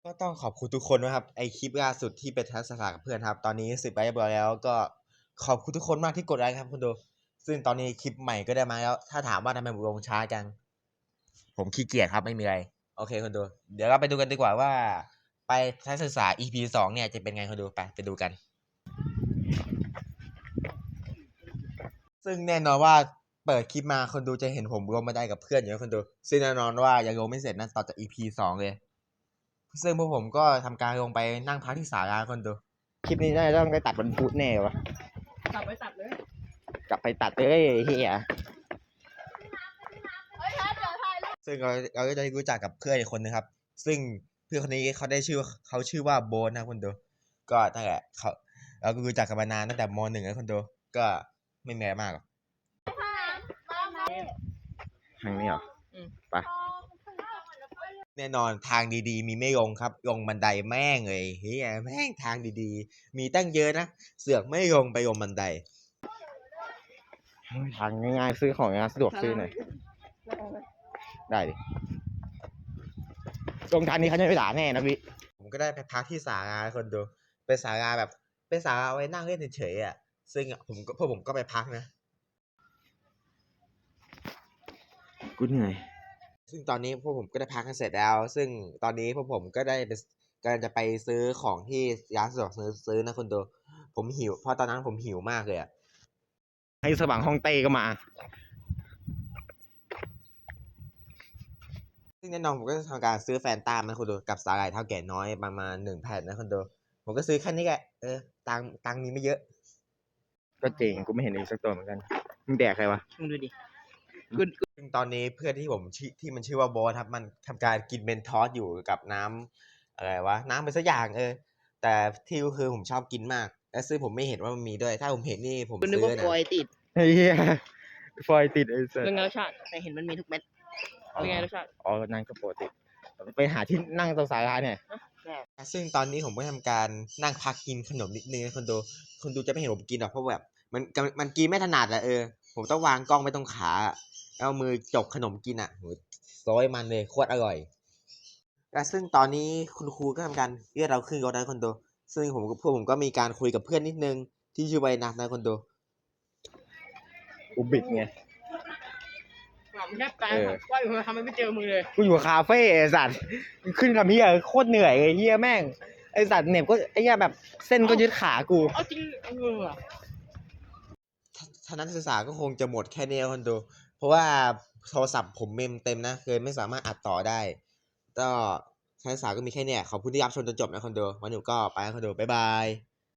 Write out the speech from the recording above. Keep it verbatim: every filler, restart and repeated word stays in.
ก็ต้องขอบคุณทุกคนนะครับไอคลิปล่าสุดที่ไปทัศนศึกษากับเพื่อนครับตอนนี้สิบไลค์เรียบร้อยแล้วก็ขอบคุณทุกคนมากที่กดไลค์ครับคุณดูซึ่งตอนนี้คลิปใหม่ก็ได้มาแล้วถ้าถามว่าทำไมผมลงช้าจังผมขี้เกียจครับไม่มีอะไรโอเคคุณดูเดี๋ยวเราไปดูกันดีกว่าว่าไปทัศนศึกษา อี พี สองเนี่ยจะเป็นไงคุณดูไปไปดูกันซึ่งแน่นอนว่าเปิดคลิปมาคนดูจะเห็นผมลงบันไดกับเพื่อนอยู่นะคนดูซึ่งแน่นอนว่ายังลงไม่เสร็จนะต่อจาก อี พี สองเลยซึ่งพวกผมก็ทำการลงไปนั่งพักที่ศาลาคนดูคลิปนี้น่าจะต้องได้ตัดวันพุธแน่วะกลับไปตัดเลยกลับไปตัดเลยเฮียซึ่งเราเราก็จะรู้จักกับเพื่อนอีกคนนึงครับ ซึ่งเพื่อนคนนี้เขาได้ชื่อเขาชื่อว่าโบนนะคนดูก็นั่นแหละเขาเราก็รู้จักกันมานานตั้งแต่มหนึ่งแล้วคนดูก็ไม่มีอะไรมากหรอกทางนี้เหรอไปแน่นอนทางดีๆมีไม่ลงครับลงบันไดแม่งเลยเฮียแม่งทางดีๆมีตั้งเยอะนะเสือกไม่ลงไปลงบันไดทางง่ายๆซื้อของงานสะดวกซื้อหน่อยได้ดิตรงทางนี้เขาจะไม่ด่าแน่นะพี่ผมก็ได้ไปพักที่ศาลาคนดูเป็นศาลาแบบเป็นศาลาไว้นั่งเล่นเฉยๆอ่ะซึ่งผมพวกผมก็ไปพักนะกูเหนื่อยซึ่งตอนนี้พวกผมก็ได้พักกันเสร็จแล้วซึ่งตอนนี้พวกผมก็ได้ไปกำลังจะไปซื้อของที่ร้านสะดวกซื้อซื้อนะคนดูผมหิวเพราะตอนนั้นผมหิวมากเลยอ่ะให้สว่างฮ่องเต้ก็มาซึ่งแน่นอนผมก็จะทำการซื้อแฟนตามาคนดูกับสาหร่ายเท่าแก่น้อยประมาณหนึ่งแผ่นนะคนดูผมก็ซื้อแค่นี้แหละเออตังตังมีไม่เยอะก็จริงกูไม่เห็นอีกสักตัวเหมือนกันมึงแดกใครวะมึงดูดิซึ่งตอนนี้เพื่อนที่ผมชื่อที่มันชื่อว่าโบสครับมันทำการกินเมนทอสอยู่กับน้ำอะไรวะน้ำเป็นสักอย่างเออแต่ที่ก็คือผมชอบกินมากและซึ่งผมไม่เห็นว่ามันมีด้วยถ้าผมเห็นนี่ผมคุณนึกซื้อว่านะฟอยติดเฮียฟอยติดไอ้สัสเป็นไงรสชาติแต่เห็นมันมีทุกเม็ดเป็นไงรสชาติอ๋อนั่งก็ปกติไปหาที่นั่งตรงสายร้านเนี่ยซึ่งตอนนี้ผมก็ทำการนั่งพักกินขนมนิดนึงคนดูคนดูจะไม่เห็นผมกินหรอกเพราะแบบมันมันกินไม่ถนัดอะเออผมต้องวางกล้องไว้ตรงขาเอามือจกขนมกินอ่ะโหซอยมันเลยโคตรอร่อยและซึ่งตอนนี้คุณครูก็ทำการเรียกเราขึ้นรถนะคนดูซึ่งผมกับพวกผมก็มีการคุยกับเพื่อนนิดนึงที่ชื่อใบนัทนะคนดูกูบิดไงหลับแทบตายว่าอยู่ทำไมไม่เจอมึงเลยกูอยู่คาเฟ่ไอ้สัตว์ขึ้นคำเฮียโคตรเหนื่อยไอ้เฮียแม่งไอ้สัตว์เหน็บก็ไอ้เฮียแบบเส้นก็ยึดขากูเอาจริงเออทัศนศึกษาก็คงจะหมดแค่นี้คนดูเพราะว่าโทรศัพท์ผมเมมเต็มนะเลยไม่สามารถอัดต่อได้ก็ทัศนศึกษาก็มีแค่นี้ขอบคุณที่รับชมจนจบนะคนดูวันนี้ก็ไปคนดูบ๊ายบาย